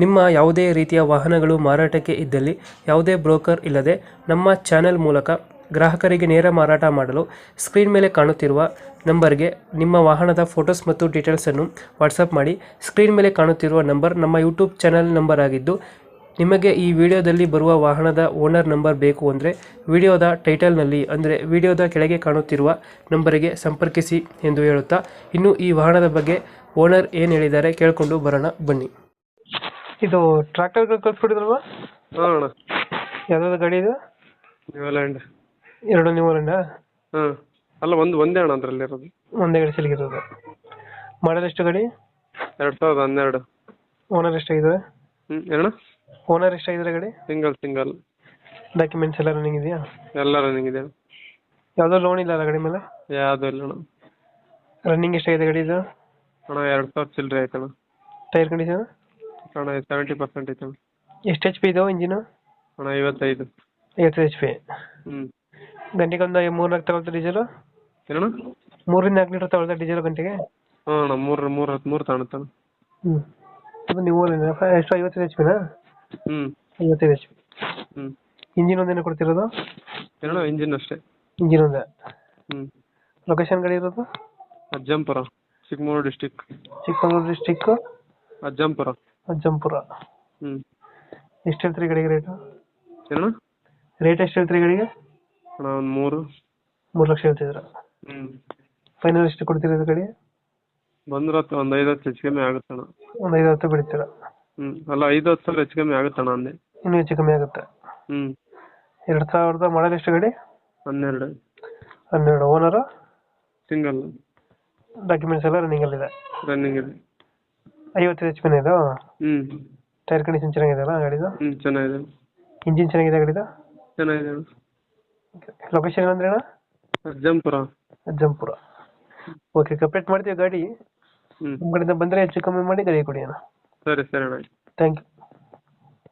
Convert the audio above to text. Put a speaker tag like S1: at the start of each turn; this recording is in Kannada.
S1: ನಿಮ್ಮ ಯಾವುದೇ ರೀತಿಯ ವಾಹನಗಳು ಮಾರಾಟಕ್ಕೆ ಇದ್ದಲ್ಲಿ ಯಾವುದೇ ಬ್ರೋಕರ್ ಇಲ್ಲದೆ ನಮ್ಮ ಚಾನೆಲ್ ಮೂಲಕ ಗ್ರಾಹಕರಿಗೆ ನೇರ ಮಾರಾಟ ಮಾಡಲು ಸ್ಕ್ರೀನ್ ಮೇಲೆ ಕಾಣುತ್ತಿರುವ ನಂಬರ್ಗೆ ನಿಮ್ಮ ವಾಹನದ ಫೋಟೋಸ್ ಮತ್ತು ಡೀಟೇಲ್ಸನ್ನು ವಾಟ್ಸಪ್ ಮಾಡಿ. ಸ್ಕ್ರೀನ್ ಮೇಲೆ ಕಾಣುತ್ತಿರುವ ನಂಬರ್ ನಮ್ಮ ಯೂಟ್ಯೂಬ್ ಚಾನೆಲ್ ನಂಬರ್ ಆಗಿದ್ದು, ನಿಮಗೆ ಈ ವಿಡಿಯೋದಲ್ಲಿ ಬರುವ ವಾಹನದ ಓನರ್ ನಂಬರ್ ಬೇಕು ಅಂದರೆ ವಿಡಿಯೋದ ಟೈಟಲ್ನಲ್ಲಿ ಅಂದರೆ ವಿಡಿಯೋದ ಕೆಳಗೆ ಕಾಣುತ್ತಿರುವ ನಂಬರಿಗೆ ಸಂಪರ್ಕಿಸಿ ಎಂದು ಹೇಳುತ್ತಾ, ಇನ್ನು ಈ ವಾಹನದ ಬಗ್ಗೆ ಓನರ್ ಏನು ಹೇಳಿದ್ದಾರೆ ಕೇಳಿಕೊಂಡು ಬರೋಣ ಬನ್ನಿ. ಇದು ಟ್ರ್ಯಾಕ್ಟರ್ ಕಳ್ಸ್ಕೊಟ್ಟಿದ್ರಲ್ವಾ?
S2: ಹಾಂ ಅಣ್ಣ.
S1: ಯಾವ್ದಾದ್ರು ಗಾಡಿ ಇದು?
S2: ನ್ಯೂಲ್ಯಾಂಡ್.
S1: ಎರಡು ನ್ಯೂಲ್ಯಾಂಡಾ?
S2: ಹಾಂ ಅಲ್ಲ, ಒಂದೇ ಅಣ್ಣ ಅದರಲ್ಲಿ ಇರೋದು.
S1: ಒಂದೇ ಗಾಡಿ ಸಿಲ್ಗಿರೋದು. ಮಾಡಲ್ ಎಷ್ಟು ಗಾಡಿ?
S2: 2012.
S1: ಓನರ್ ಎಷ್ಟಾಗಿದ್ದಾರೆ?
S2: ಏನಣ್ಣ?
S1: ಓನರ್ ಎಷ್ಟಾಗಿದ್ದಾರೆ ಗಾಡಿ?
S2: ಸಿಂಗಲ್.
S1: ಡಾಕ್ಯುಮೆಂಟ್ಸ್ ಎಲ್ಲ ರನ್ನಿಂಗ್ ಇದೆಯಾ?
S2: ಎಲ್ಲ ರನ್ನಿಂಗ್ ಇದೆ.
S1: ಯಾವುದೋ ಲೋನ್ ಇಲ್ಲ ಅಲ್ಲ ಗಾಡಿ ಮೇಲೆ?
S2: ಯಾವುದೂ ಇಲ್ಲ ಅಣ್ಣ.
S1: ರನ್ನಿಂಗ್ ಎಷ್ಟಾಗಿದೆ ಗಾಡಿ ಇದು?
S2: ಅಣ್ಣ 2000 ಚಿಲ್ಲರೆ ಆಯ್ತಣ್ಣ.
S1: Tyre condition?
S2: ಅಣ್ಣ 70% ಐತೆ ಅಣ್ಣ.
S1: ಎಷ್ಟು ಎಚ್ ಪಿ ಇದಾವೆ ಇಂಜಿನು?
S2: ಅಣ್ಣ 55.
S1: 50 ಎಚ್ ಪಿ.
S2: ಹ್ಞೂ.
S1: ಗಂಟೆಗೆ ಒಂದು 3-4 ತಗೊಳ್ತಾ ಡೀಸೆಲು?
S2: ಏನಣ್ಣ?
S1: 3-4 ಲೀಟರ್ ತಗೊಳ್ತಾ ಡೀಸೆಲ್ ಗಂಟೆಗೆ?
S2: ಹಾಂ ಅಣ್ಣ, 3 ತಾಣುತ್ತಣ್ಣ.
S1: ಹ್ಞೂ. ಅದು ನೀವು ಎಷ್ಟು 55 ಎಚ್ ಪಿನಾ?
S2: ಹ್ಞೂ.
S1: 55 ಎಚ್ ಪಿ.
S2: ಹ್ಞೂ.
S1: ಇಂಜಿನ್ ಒಂದೇನು ಕೊಡ್ತಿರೋದು?
S2: ಏನಣ್ಣ? ಇಂಜಿನ್ ಅಷ್ಟೇ.
S1: ಇಂಜಿನ್ ಒಂದೇ.
S2: ಹ್ಞೂ.
S1: ಲೊಕೇಶನ್ ಗಾಡಿ ಇರೋದು?
S2: ಅಜ್ಜಂಪುರ, ಚಿಕ್ಕಮಗಳೂರು ಡಿಸ್ಟಿಕ್.
S1: ಚಿಕ್ಕಮಗಳೂರು ಡಿಸ್ಟಿಕ್
S2: ಅಜ್ಜಂಪುರ.
S1: ಅಜ್ಜಂಪುರ.
S2: ಹ್ಞೂ.
S1: ಎಷ್ಟು ಹೇಳ್ತೀರಿ ಗಾಡಿಗೆ ರೇಟು?
S2: ಏನಣ್ಣ?
S1: ರೇಟ್ ಎಷ್ಟು ಹೇಳ್ತೀರಿ ಗಾಡಿಗೆ?
S2: ಅಣ್ಣ ಒಂದು
S1: 3 ಲಕ್ಷ ಹೇಳ್ತಿದ್ದೀರಾ?
S2: ಹ್ಞೂ.
S1: ಫೈನಲ್ ಎಷ್ಟು ಕೊಡ್ತಿರೋದು ಗಾಡಿ?
S2: ಬಂದ್ರೆ ಒಂದು 5-10 ಹೆಚ್ಚು ಕಮ್ಮಿ ಆಗುತ್ತಣ್ಣ.
S1: ಒಂದು 5-10 ಬಿಡ್ತೀರಾ?
S2: ಹ್ಞೂ. ಅಲ್ಲ, 5-10 ಸಾವಿರ ಹೆಚ್ಚು ಕಮ್ಮಿ ಆಗುತ್ತಣ್ಣ ಅಂದೆ.
S1: ಇನ್ನೂ ಹೆಚ್ಚು ಕಮ್ಮಿ ಆಗುತ್ತೆ.
S2: ಹ್ಞೂ.
S1: 2000 ಮಾಡಲ್ ಎಷ್ಟು ಗಾಡಿ?
S2: 12.
S1: ಓನರು?
S2: ಸಿಂಗಲ್.
S1: ಡಾಕ್ಯುಮೆಂಟ್ಸ್ ಎಲ್ಲ ರನ್ನಿಂಗಲ್ಲಿದೆ?
S2: ರನ್ನಿಂಗ್ ಇದೆ.
S1: 50 ಎಚ್ ಪಿನ ಇದು?
S2: ಹ್ಞೂ.
S1: ಟೈರ್ ಕಂಡೀಷನ್ ಚೆನ್ನಾಗಿದೆಯಲ್ಲ ಗಾಡಿದು?
S2: ಹ್ಞೂ, ಚೆನ್ನಾಗಿದೆ.
S1: ಇಂಜಿನ್ ಚೆನ್ನಾಗಿದೆ ಗಾಡಿದು?
S2: ಚೆನ್ನಾಗಿದೆ ಅಣ್ಣ.
S1: ಲೊಕೇಶನ್ ಅಂದ್ರೆ ಅಣ್ಣ?
S2: ಅಜ್ಜಂಪುರ.
S1: ಅಜ್ಜಂಪುರ. ಓಕೆ, ಕಂಪ್ಲೀಟ್ ಮಾಡ್ತೀವಿ ಗಾಡಿ.
S2: ಹ್ಞೂ.
S1: ನಿಮ್ಮ ಕಡೆಯಿಂದ ಬಂದರೆ ಹೆಚ್ಚು ಕಮ್ಮಿ ಮಾಡಿ ಗಾಡಿ ಕೊಡಿ ಅಣ್ಣ.
S2: ಸರಿ ಅಣ್ಣ.
S1: Thank you.